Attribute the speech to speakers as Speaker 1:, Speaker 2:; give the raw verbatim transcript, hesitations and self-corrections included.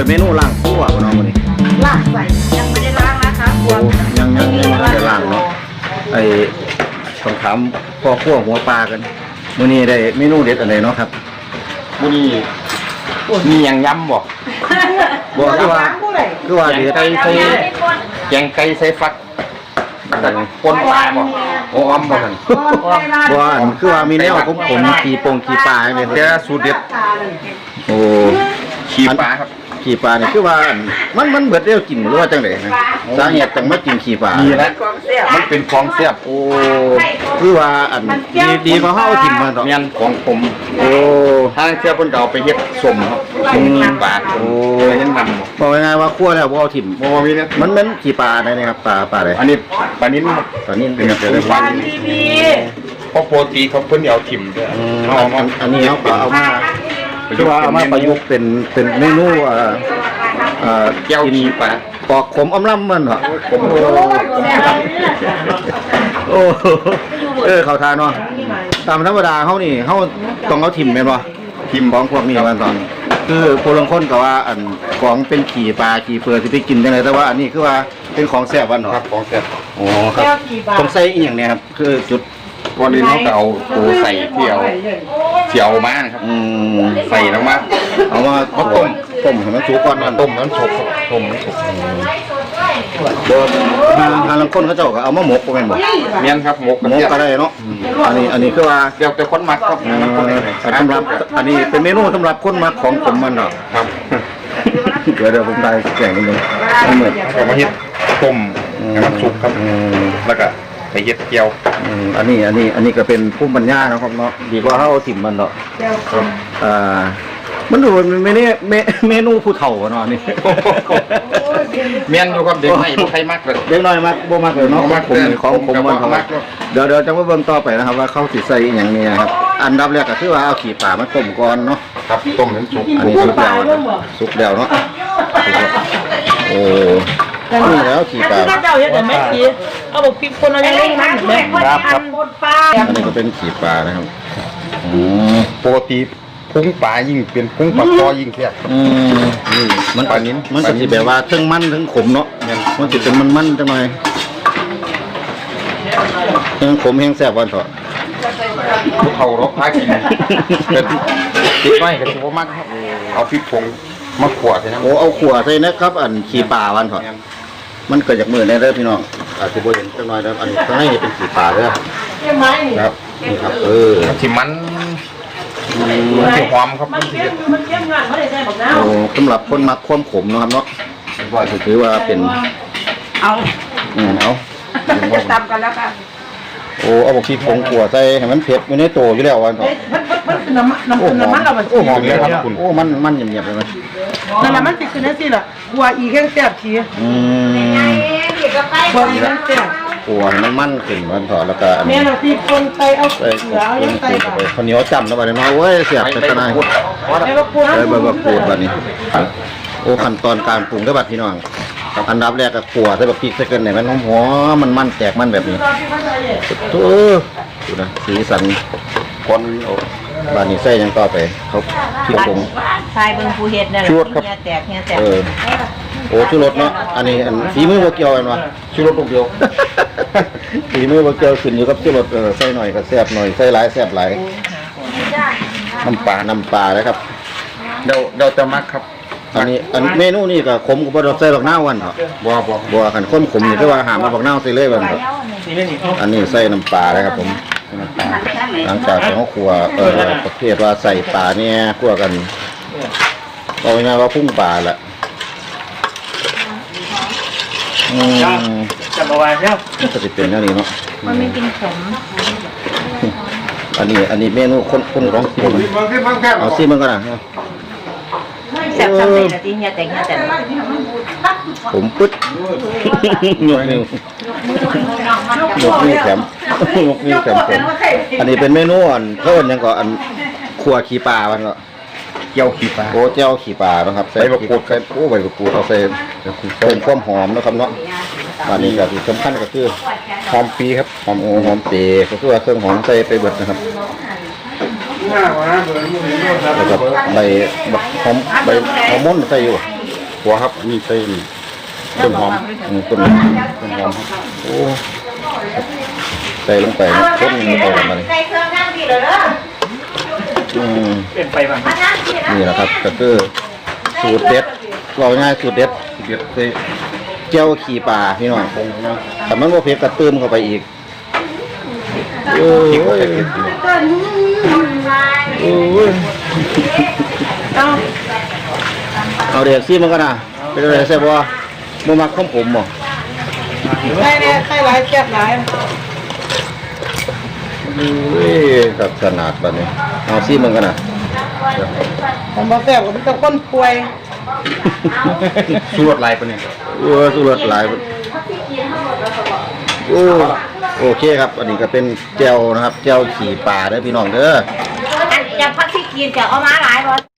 Speaker 1: เมนูล่างคั่วบ่น้องวันนี้
Speaker 2: ล่างใส่ยังไม่ได้ล้างนะคะกลัว
Speaker 1: ยังยังไม่ได้ล่างเนาะไอ้ต้องถามพ่อคั่วหัวปลากันมื้อนี้ได้เมนูเด็ดอะไรเนาะครับ
Speaker 3: มื้อนี้มีหยังยำบ่
Speaker 1: บ่คือว่าคือว่าเด็ด
Speaker 3: ไก่ใส่แกงไก่ใส่ฟักปนปลาบ่โอ้ออมบ่ซั่น
Speaker 1: บ่อันคือว่ามีแนวขมๆขี้ปงขี้ปลาแม่นแต่สูตรเด็ดโอ้
Speaker 3: ขี้ปลาครับ
Speaker 1: ขี้ปลานี่คือว่ามันมันเบิดเร็วกินหรือว่าจังได๋นะสาเหตุจังมากินขี้ปลา
Speaker 3: นี่แหละมันเป็นของแซ่บ
Speaker 1: โอ้คือว่าอันดีดีกว่าเฮาถิ่มมาดอก
Speaker 3: แม่นของผม
Speaker 1: โอ้
Speaker 3: ทางเสียเพิ่นก็เอาไปเฮ็ดส้มครับส้มปลาโอ้ยังนำ
Speaker 1: บอกง่ายๆว่าคั่วแล้วบ่เอาถิ่ม
Speaker 3: บ่มีเนี่ย
Speaker 1: มันเป็นขี้ปลาได้นะครับปลาปลาอะไร
Speaker 3: อันนี้ปลานิ้น
Speaker 1: ปลานิ้น
Speaker 3: เป็นแบบปลาดีๆเพราะปกติเขาเพิ่นเอาถิ่มด้วย
Speaker 1: เอาอันนี้เอาเอามาคือว่าเอามาประยุกต์เป็นเป็นเมนูเอ่อเอ่อ
Speaker 3: แก้วขี้ปลา
Speaker 1: ปอกขมอำล่ำมันเหรอโอ้โอ้เออเขาทานเนาะตามธรรมดาเขานี่เขาต้องเอาถิ่มแม่นบ่ถิ่มของพวกนี้มันตอนคือผู้ลางคนก็ว่าอันของเป็นขี่ปลาขี่เปลือกที่ไปกินจังได๋แต่ว่าอันนี้คือว่าเป็นของแซ่บวันเหรอ
Speaker 3: ครับของแซ่บ
Speaker 1: โอ้ครับต้องใส่อีหยังเนี่ยครับคือจุด
Speaker 3: ก่อนอื่นเขาก็เอาปูใส่เที่ยวเที่ยวมานะครับใส่ลงมา
Speaker 1: เอามาต้มต้มให้มันสุกก่อน
Speaker 3: ต้มมันสุกต้มมันสุก
Speaker 1: บ่ทางทางลังคนเขาเจ้าก็เอามาหมกบ่แม่นบ่
Speaker 3: แม่นครับหมก
Speaker 1: หมกก็ได้เนาะอันนี้อันนี้คือว่า
Speaker 3: เดี๋ยวแต่คนมักครับ
Speaker 1: สำหรับอันนี้เป็นเมนูสำหรับคนมักของผมมันเนาะ
Speaker 3: ครับ
Speaker 1: เดี๋ยวเดี๋ยวผมได้แกงนิดนึง
Speaker 3: เหมือนเอามาเฮ็ดต้มให้มันสุกครับแล้วก็ไปเฮ็ดเกี๊ยว
Speaker 1: อันนี้อันนี้อันนี้ก็เป็นภูมิปัญญานะครับเนาะดีกว่าเฮาถิ่มมันเนาะอ่ามันดูเมนูเมนูผู้เฒ่าเนาะนี่
Speaker 3: เมียนอยู่กับเด็กใหม่บ่ใครมักเลย
Speaker 1: เด็กน้อยมักบ่มักเลยเนาะผมของผมมันเขาเดี๋ยวเดี๋ยวจะมาเบิ่งต่อไปนะครับว่าเขาสิใส่อีหยังนี่ครับอันดับแรกก็คือว่าเอาขี้ปลามาต้มก่อนเนาะ
Speaker 3: ครับต้มให้สุก
Speaker 1: อันนี้สุกแล้วสุกแล้วเนาะโอ้นี่แล้วขี้ปลา
Speaker 2: เจ้าเฮ็ดได้มั้ยขี้เอาบอกพริกคนเอายังลงน้ำแม่
Speaker 1: ครับครับอันนี้ก็เป็นขี้ปลานะครับอืม
Speaker 3: ปกติพุงปลายิ่งเป็นพุงปลาคอยิ่งแซ่บ
Speaker 1: อืมนี่มันปลานิ้นมันก็สิแบบว่าทั้งมันทั้งขมเนาะมันสิเป็นมันๆจังหน่อยทั้งขมทั้งแซ่บวันเถาะ
Speaker 3: ผู้เฒ่ารบพากินเป็นติดไว้ก็สิบ่มักครับเอาพริกผงมาขวดใส่น้ำ
Speaker 1: โอ้เอาขวดใส่นะครับอันขี้ปลาวันเถาะมันเกิดจากมือได้เด้อพี่น้องอาจจะบ่เห็นจังหน่อยแล้วอันนี้ข้างในนี่เป็นขี้ปลาเด้อครับนี่ครับเออ
Speaker 3: ที่มันมันสิหอมครับมันสิมันเข้มงาน
Speaker 1: บ่ได้ใส่บักนาวโอ้สำหรับคนมักความขมนะครับเนาะก็ถือว่าเป็น
Speaker 2: เอา
Speaker 1: อืมเอา
Speaker 2: จะตำกันแล้วค่ะ
Speaker 1: โอ้เอาบอกพริกผงขั่วใส่ให้มันเผ็ดอยู่ในโตอยู่แล้ววันก่อน
Speaker 2: มันมันคือน้ำน้ำน้ำมันเราแบบ
Speaker 1: โอ้หอมเลยครับคุณโอ้มันมันเงียบๆเลยมั้ย
Speaker 2: นั่นแหละมันสิคือนั่นสิล่ะกัวอีแข้งแซ่บที
Speaker 1: อืม
Speaker 2: กัวอีแข้งแซ่บ
Speaker 1: กัวให้มันมันขึ้นวันก่อนแล้วก็
Speaker 2: แม่เราที่คนไปเอาเสือเอายังใส่
Speaker 1: ไปข้าวเหนียวจ้ำแล้วบัดนี้เนาะโอ้ยเสียบเป็นตะนาย
Speaker 2: ไอ้บักปู
Speaker 1: ไอ้บักปูบัดนี้โอ้ขั้นตอนการปรุงเด้อบัดพี่น้องอันดับแรกก็ขั่วใส่บักพริกใส่เกินให้มันหอมมันมันแตกมันแบบนี้โอ้ดูนะสีสันคนบ้านนี้ใส่ยังต่อไปเขาพริกผง
Speaker 2: ชายเบิ่งผู้เฮ็ดนั่นแหละเฮียแตกเฮียแตก
Speaker 1: เออโอ้ชูรสเนาะอันนี้อันฝีมือบ่เกี่ยวกันวะ
Speaker 3: ชูรสลูกเดียว
Speaker 1: ฝีมือบ่เกี่ยวขึ้นอยู่กับชูรสเออใส่หน่อยก็แซ่บหน่อยใส่หลายแซ่บหลายน้ำปลาน้ำปลาเลยครับ
Speaker 3: เดี๋ยวเดี๋ยวจะมักครับ
Speaker 1: อันนี้อันเมนูนี่ก็ขมกับบ่ดอกใส่บักนาววันเถาะ
Speaker 3: บ่บ่
Speaker 1: บ่คันคนขมนี่คือว่าหามาบักนาวใส่เลยวันเถาะอันนี้ใส่น้ำปลาเลยครับผมน้ำปลาหลังจากที่เฮาคั่วเอ่อประเภทว่าใส่ปลาเนี่ยคั่วกันเอาง่ายๆว่าพุ่งปลาแหละอืม
Speaker 2: จะบ่ว่าแล้ว
Speaker 1: มันจะเป็นแนวนี้เนาะ
Speaker 2: มันไม่กินขม
Speaker 1: อันนี้อันนี้เมนูคนคนร้องผมเอาซิมันก็ได้
Speaker 2: แซ่บซ้ำเลยนะที่เฮียแต่งเฮียแต่ง
Speaker 1: ผมปึ๊ดยกนิ้ว ยกนิ้วแถมยกนิ้วแถมผมอันนี้เป็นเมนูอันเพิ่นยังก็อันครัวขี้ปลามันก็
Speaker 3: เจียวขี้ปลา
Speaker 1: โอ้เจียวขี้ปลานะครับใส่บะกรูดใส่โอ้ใบมะกรูดเอาใส่เพิ่มความหอมนะครับเนาะอันนี้ก็ที่สำคัญก็คือ
Speaker 3: หอมปีครับ
Speaker 1: หอมโอ้หอมเปย์ก็คือว่าเครื่องหอมใส่ไปเบิดนะครับแล้วก็ใบหอมใบหอมม่นใส่อยู่
Speaker 3: ขัวครับอันนี้ใส่ต้นหอม
Speaker 1: อืมต้น
Speaker 3: ต้นหอมครับ
Speaker 1: โอ้ใส่ลงไปนะต้นมันเข้ากันมาเลย
Speaker 4: ใส่เครื่องนั่งดีเลยเด้อ
Speaker 1: อืม
Speaker 4: มานั่งดีนะ
Speaker 1: นี่แหละครับก็คือสูตรเด็ดเราง่ายสูตรเด็ด
Speaker 3: เด็ดใส่
Speaker 1: เจียวขี่ปลาพี่น้อง
Speaker 3: ผงนะ
Speaker 1: ถ้ามันบ่เผ็ดก็เติมเข้าไปอีกโอ้
Speaker 3: พริกก็
Speaker 1: ย
Speaker 3: ใส่เผ็ดอยู่
Speaker 1: โอ้ย
Speaker 2: เอา
Speaker 1: เอาเด็กซี่มันก็นะเป็นอะไรแซ่บบ่บ่มักข้มผมบ่
Speaker 2: ใส่เนี่ยใส่หลายแซ่บหลาย
Speaker 1: โอ้ยกับขนาดบัดนี้เอาซี่มันก็นะ
Speaker 2: ผมบ่แซ่บก็มีแต่คนป่วย
Speaker 3: สูตรลายปะเนี่ย
Speaker 1: โอ้ยสุดหลายโอ้โอเคครับ อันนี้ก็เป็นแจ่วนะครับแจ่วขี่ปลาเด้อพี่น้องเด้อ
Speaker 4: อันจะพักที่กินจะเอามาหลายบ่